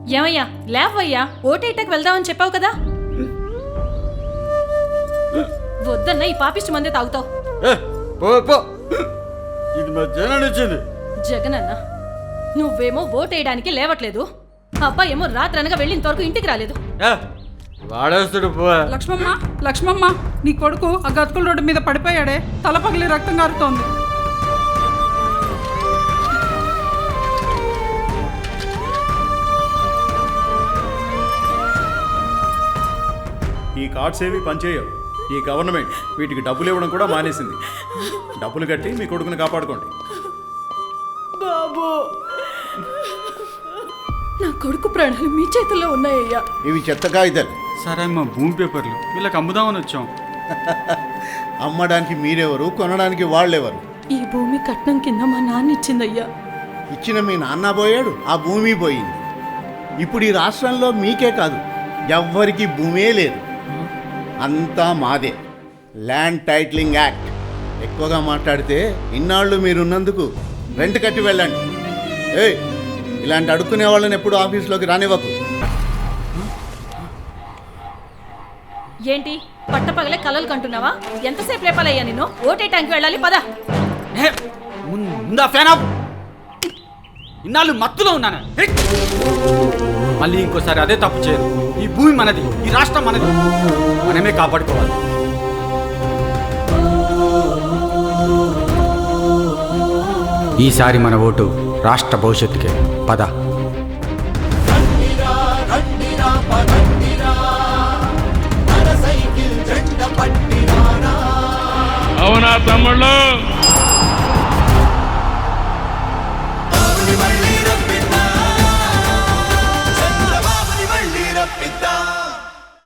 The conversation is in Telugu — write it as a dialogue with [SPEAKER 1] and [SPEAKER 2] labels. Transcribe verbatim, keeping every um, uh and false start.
[SPEAKER 1] ఏమయ్యా లేవయ్యా, ఓటేటకు వెళ్దామని చెప్పావు కదా. వద్దన్న ఈ పాపిష్టి మందే తాగుతావు.
[SPEAKER 2] ఇది మా జగన్ ఇచ్చింది.
[SPEAKER 1] జగనన్న నువ్వేమో ఓటేయడానికి లేవట్లేదు, అబ్బాయి ఏమో రాత్రి అనగా వెళ్ళినంతవరకు ఇంటికి రాలేదు.
[SPEAKER 2] వాడేస్తాడు పో.
[SPEAKER 3] లక్ష్మమ్మ లక్ష్మమ్మ నీ కొడుకు ఆ గతుకుల రోడ్డు మీద పడిపోయాడే, తల పగిలి రక్తం కారుతోంది.
[SPEAKER 4] ఈ కార్డ్స్ ఏవి పనిచేయవు. ఈ గవర్నమెంట్ వీటికి డబ్బులు ఇవ్వడం కూడా మానేసింది. డబ్బులు కట్టి మీ కొడుకుని కాపాడుకోండి.
[SPEAKER 1] బాబు, నా కొడుకు ప్రాణాలు మీ చేతుల్లో ఉన్నాయ్యా.
[SPEAKER 5] ఇవి చెత్త కాగితాలు.
[SPEAKER 2] సరే అమ్మా, భూమి పేపర్లు వీళ్ళకి అమ్ముదామని వచ్చాం.
[SPEAKER 5] అమ్మడానికి మీరెవరు, కొనడానికి వాళ్ళెవరు?
[SPEAKER 1] ఈ భూమి కట్నం కింద మా నాన్న ఇచ్చిందయ్యా.
[SPEAKER 5] ఇచ్చిన మీ నాన్న పోయాడు, ఆ భూమి పోయింది. ఇప్పుడు ఈ రాష్ట్రంలో మీకే కాదు, ఎవ్వరికి భూమే లేదు, అంతా మాదే. Land titling act. ఎక్కువగా మాట్లాడితే ఇన్నాళ్ళు మీరున్నందుకు రెంట్ కట్టి వెళ్ళండి. ఏయ్, ఇలాంటి అడుక్కునే వాళ్ళని ఎప్పుడు ఆఫీస్లోకి రానివ్వకు.
[SPEAKER 1] ఏంటి పట్టపగలే కలలు కంటున్నావా? ఎంతసేపు లేపాలయ్యా నిన్ను? ఓటేటానికి వెళ్ళాలి, పద.
[SPEAKER 2] ముందా ఫ్యాన్ ఆఫ్. ఇన్నాళ్ళు మత్తులో ఉన్నాను. మళ్ళీ ఇంకోసారి అదే తప్పు చేయదు. ఈ భూమి మనది, ఈ రాష్ట్రం మనది, మనమే కాపాడుకోవాలి. ఈసారి మన ఓటు రాష్ట్ర భవిష్యత్తుకే. పద.
[SPEAKER 6] అవునా తమ్ముళ్ళు?